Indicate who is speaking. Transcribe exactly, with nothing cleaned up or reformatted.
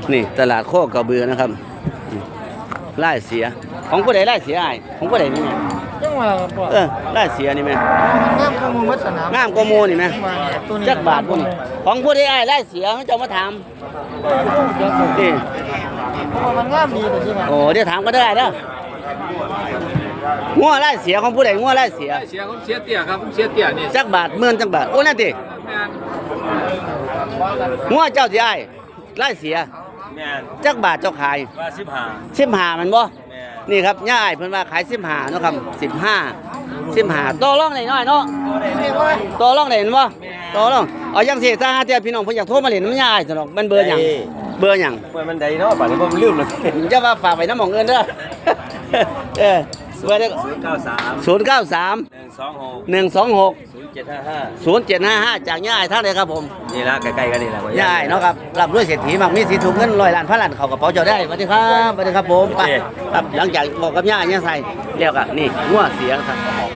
Speaker 1: นี่ตลาดโคกระเบือนะครับไล่เสียของผู้ใดไล่เสียไอ้ของผู้ใดนี่แม่
Speaker 2: จังหวะบ่
Speaker 1: เออไล่เสียนี่แม่
Speaker 2: งามข้อมูลวัดสนาม
Speaker 1: งามกว่าหมูนี่แม่
Speaker 2: ตัวนี้
Speaker 1: จักบาทพวกนี้ของผู้ใดไอ้ไล่เสียเขาจะมาถามนี่
Speaker 2: เพราะว่ามันงามดีแต่ที่ว่า
Speaker 1: โอ้เดี๋ยวถามก็ได้เด้องัวไล่เสียของผู้ใดงัวไล่เสีย
Speaker 3: เสียผมเสียเตี้ยครับผมเสียเตี้ยนี่
Speaker 1: จักบาทหมื่นจักบาทโอ้นั่นติ
Speaker 3: แม่น
Speaker 1: งัวเจ้าสิไอ้ไล่เสีย
Speaker 3: แม่น
Speaker 1: จักบาทเจ้าขาย
Speaker 3: ว่าสิบห้า
Speaker 1: สิบห้ามันบ่
Speaker 3: แม่น
Speaker 1: นี่ครับย่าไอ้เพิ่นว่าขายสิบห้าเนาะครับสิบห้าสิบห้าต่อรองได้น้อยเนาะต่อรองได้เห็นบ่ต่อรองเอาจังซี่ถ้าหาเที่ยพี่น้องเพิ่นอยากโทรมาเล่นน้ำย่าไอ้ซั่นดอกมันเบอร์หยังเบอร์หยัง
Speaker 3: เมื่อมันใดเนาะป่านนี้ผมลืมแล้ว
Speaker 1: จะว่าฝากไว้น้ำหมองเงินเด้อ เออเบอร์เด้อ
Speaker 3: ศูนย์เก้าสาม
Speaker 1: ศูนย์เก้าสาม
Speaker 3: หนึ่งสองหก
Speaker 1: หนึ่งสองหก
Speaker 3: ศูนย์เจ็ดห้าห้า
Speaker 1: ศูนย์เจ็ดห้าห้าจากย่าไอ้ท่านเลยครับผม
Speaker 3: นี่ละใกล้ๆกันนี่ละ
Speaker 1: ย่าไอ้เนาะครับรับด้วยเศรษฐีมักมีสีถุงเงินร้อยล้านพันล้านเข้ากระเป๋าเจ้าได้สวัสดีครับสวัสดีครับผมไปครับหลังจากบอกกับย่าย่าใส่เรียกอ่ะนี่งัวเสียครับ